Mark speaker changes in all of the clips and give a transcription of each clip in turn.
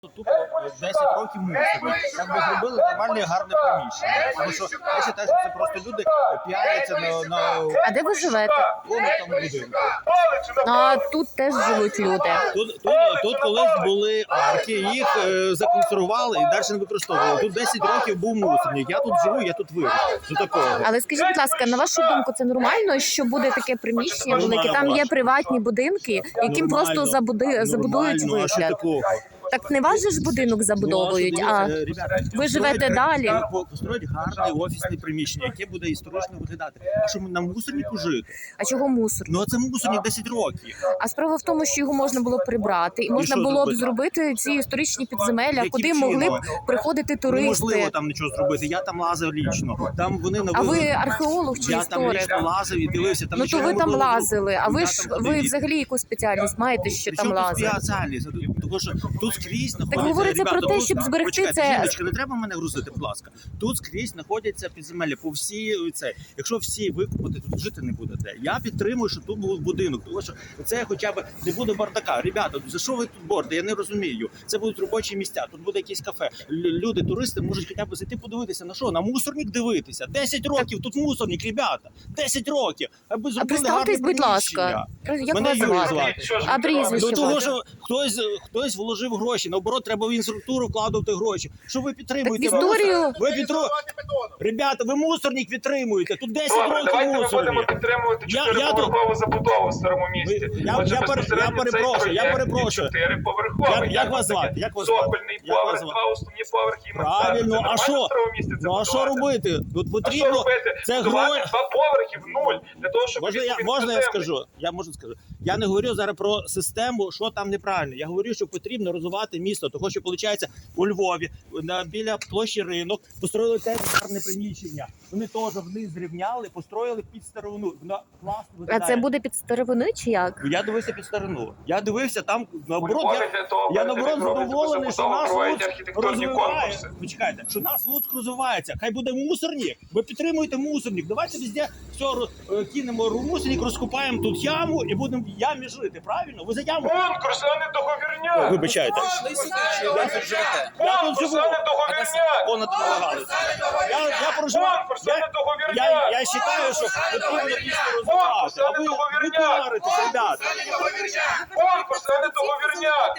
Speaker 1: Тупо 10 років мусили. Якби зробили нормальне, гарне приміщення. Тому що я вважаю, що це просто люди піаряться на...
Speaker 2: А де ви живете?
Speaker 1: Вон там будинку.
Speaker 2: А тут теж живуть люди.
Speaker 1: Тут колись були арки, їх законсервували і далі не використовували. Тут 10 років був мусорник. Я тут живу, я тут виріс. До такого.
Speaker 2: Але скажіть, будь ласка, на вашу думку, це нормально, що буде таке приміщення велике? Там є приватні будинки, яким просто забудують
Speaker 1: А що
Speaker 2: вигляд.
Speaker 1: такого?
Speaker 2: Так не ваш же ж будинок забудовують, а ви живете далі.
Speaker 1: Построїть гарне офісне приміщення, яке буде історично виглядати. А що на мусорнику жити?
Speaker 2: А чого мусор?
Speaker 1: Ну а це мусорник 10 років.
Speaker 2: А справа в тому, що його можна було прибрати, і можна
Speaker 1: що
Speaker 2: було б
Speaker 1: зробити?
Speaker 2: зробити ці історичні підземелля,
Speaker 1: Яким
Speaker 2: куди
Speaker 1: чином?
Speaker 2: могли б приходити
Speaker 1: Неможливо
Speaker 2: туристи.
Speaker 1: там нічого зробити. Я там лазив лічно. Там вони
Speaker 2: А ви археолог чи
Speaker 1: Я там
Speaker 2: історик?
Speaker 1: лічно лазив і дивився. Там
Speaker 2: Ну то
Speaker 1: нічого
Speaker 2: ви там
Speaker 1: неможливо
Speaker 2: лазили, а ви
Speaker 1: Я
Speaker 2: ж
Speaker 1: там
Speaker 2: ви
Speaker 1: ходив.
Speaker 2: взагалі яку спеціальність маєте, що там
Speaker 1: Причому тут
Speaker 2: лазили?
Speaker 1: спеціальність? Тому що тут скрізь знаходяться...
Speaker 2: говориться про
Speaker 1: Ребята,
Speaker 2: те,
Speaker 1: тут-
Speaker 2: щоб зберегти
Speaker 1: Почекайте,
Speaker 2: це-
Speaker 1: жіночка, не треба мене грузити, будь ласка. Тут скрізь знаходяться підземелля по всій це. Якщо всі викупати, тут жити не буде де. Я підтримую, що тут був будинок, тому що це хоча б не буде бардака. Ребята, за що ви тут борите? Я не розумію. Це будуть робочі місця, тут буде якесь кафе. Люди, туристи можуть хоча б зайти подивитися. На що? На мусорник дивитися. 10 років тут мусорник, ребята. 10 10 Аби
Speaker 2: А
Speaker 1: зробили
Speaker 2: представтесь,
Speaker 1: гарне
Speaker 2: будь ласка.
Speaker 1: приміщення.
Speaker 2: Як
Speaker 1: Мене
Speaker 2: вас
Speaker 1: Юрій
Speaker 2: звати?
Speaker 1: звати.
Speaker 2: А прізвище
Speaker 1: До того,
Speaker 2: ваше?
Speaker 1: що хтось вложив гроші. Наоборот, треба в інфраструктуру вкладувати гроші. Що ви підтримуєте?
Speaker 2: Так в історію-
Speaker 1: Ви Ребята, ви мусорник підтримуєте. Тут 10
Speaker 3: Добре,
Speaker 1: років
Speaker 3: давайте ми будемо
Speaker 1: мусорник.
Speaker 3: підтримувати
Speaker 1: Я-
Speaker 3: 4-поверхову забудову в старому місті.
Speaker 1: Я
Speaker 3: Отже,
Speaker 1: пере-
Speaker 3: безпосередньо
Speaker 1: я перепрошую,
Speaker 3: цей
Speaker 1: я
Speaker 3: проєкт
Speaker 1: перепрошую.
Speaker 3: є 4-поверховий.
Speaker 1: Як вас звати? Як вас звати?
Speaker 3: Сокольний
Speaker 1: Як вас
Speaker 3: поверх,
Speaker 1: звати?
Speaker 3: 2 основні поверхи і мансарда.
Speaker 1: Правильно,
Speaker 3: Це
Speaker 1: а
Speaker 3: нормально
Speaker 1: що?
Speaker 3: в старому місті це
Speaker 1: Ну а що
Speaker 3: будувати?
Speaker 1: робити? Тут
Speaker 3: А що
Speaker 1: потрібно...
Speaker 3: робити?
Speaker 1: Це
Speaker 3: Будувати
Speaker 1: гроші.
Speaker 3: 2 поверхи в нуль. Для того, щоб...
Speaker 1: Можна я скажу? Я можу скажу. Я не говорю зараз про систему, що там неправильно. Я говорю, що потрібно розвивати місто. Того, що виходить у Львові, біля площі Ринок, построїли теж гарне приміщення. Вони теж вниз зрівняли, построїли під старовину. Вона класно
Speaker 2: А
Speaker 1: виглядає.
Speaker 2: це буде під старовини чи як?
Speaker 1: Я дивився під старину. Я дивився там, наоборот,
Speaker 3: Львові для того,
Speaker 1: я
Speaker 3: перед
Speaker 1: наоборот
Speaker 3: тим, як робити
Speaker 1: задоволений, що
Speaker 3: забудову,
Speaker 1: наш
Speaker 3: проводять
Speaker 1: Луцьк
Speaker 3: архітектурні
Speaker 1: розвиває.
Speaker 3: конкурси.
Speaker 1: Почекайте, що наш Луцьк розвивається. Хай буде мусорник. Ви підтримуєте мусорник. Давайте везде все кинемо мусорник, розкопаємо тут яму і будемо в ямі жити. Правильно? Ви за яму?
Speaker 3: Конкурс, а не договірняк!
Speaker 1: Вибачайте. Я тут
Speaker 3: Конкурс,
Speaker 1: живу.
Speaker 3: а не договірняк!
Speaker 1: Понад намагалися. Я проживаю.
Speaker 3: Конкурс, а не договірняк!
Speaker 1: Я вважаю, що потрібно місто розвивати. А ви піаритесь, ребята.
Speaker 3: Конкурс, а не договірняк!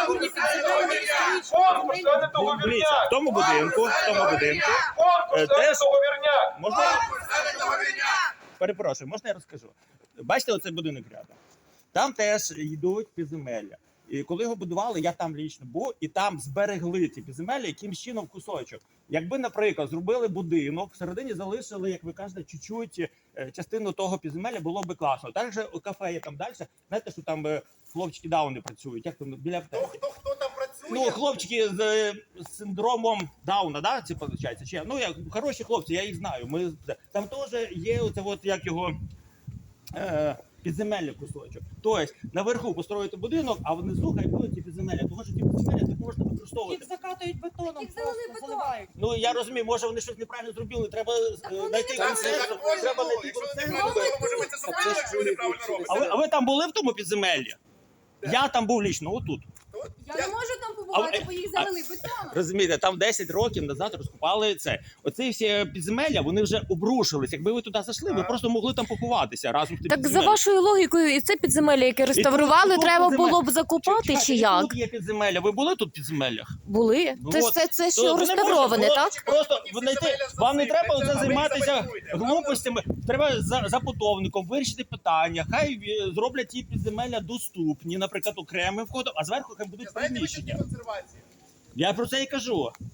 Speaker 3: Конкурс, а не
Speaker 1: Дивіться,
Speaker 3: договірняк!
Speaker 1: в тому будинку,
Speaker 3: Конкурс, а не
Speaker 1: теж-
Speaker 3: договірняк!
Speaker 1: можна... Перепрошую, можна я розкажу? Бачите оцей будинок рядом? Там теж йдуть підземелля. І коли його будували, я там лічно був, і там зберегли ті підземелля якимсь чином кусочок. Якби, наприклад, зробили будинок, всередині залишили, як ви кажете, чуть-чуть частину того підземелля, було би класно. Також кафе є там далі. Знаєте, що там хлопчики дауни працюють, як там біля аптеки.
Speaker 4: Хто там працює?
Speaker 1: Ну, хлопчики з синдромом Дауна, да, це виходить? Чи ну як хороші хлопці, я їх знаю. Там теж є оце, от як його підземелля кусочок. Тобто наверху построїти будинок, а внизу хай будуть ті підземелля. Тому що ті підземелля не можна використовувати.
Speaker 5: Їх закатують бетоном,
Speaker 6: Їх залили
Speaker 5: просто
Speaker 6: бетоном.
Speaker 5: заливають.
Speaker 1: Ну я розумію, може вони щось неправильно зробили. Треба
Speaker 6: вони
Speaker 1: знайти
Speaker 6: не
Speaker 1: консенсус.
Speaker 6: правильно
Speaker 1: Треба знайти
Speaker 4: Якщо
Speaker 1: консенсус.
Speaker 4: неправильно, може ви це зробили, якщо ви неправильно робите.
Speaker 1: А ви там були в тому підземеллі? Я там був лічно, отут.
Speaker 6: Я не можу там побувати, бо їх залили бетоном.
Speaker 1: Розумієте, там 10 років назад розкопали це. Оці всі підземелля, вони вже обрушились. Якби ви туди зайшли, ви просто могли там поховатися разом з тим
Speaker 2: Так за
Speaker 1: підземеллям.
Speaker 2: вашою логікою, і це підземелля, яке реставрували,
Speaker 1: тут
Speaker 2: треба
Speaker 1: підземелля.
Speaker 2: було б закопати
Speaker 1: Чекайте,
Speaker 2: чи
Speaker 1: і
Speaker 2: як?
Speaker 1: Тут є підземелля. Ви були тут в підземеллях?
Speaker 2: Були?
Speaker 1: Ну
Speaker 2: Це ж
Speaker 1: от.
Speaker 2: це
Speaker 1: То
Speaker 2: що
Speaker 1: ви не
Speaker 2: реставроване,
Speaker 1: можете-
Speaker 2: так?
Speaker 1: Просто вам не треба оце
Speaker 4: А ви
Speaker 1: займатися
Speaker 4: забудуєте.
Speaker 1: глупостями. Треба за будовником вирішити питання. Хай зроблять ті підземелля доступні, наприклад, окремим входом, а зверху хай будуть
Speaker 4: Знаєте, ви які
Speaker 1: приміщення.
Speaker 4: консервації?
Speaker 1: Я про це і кажу.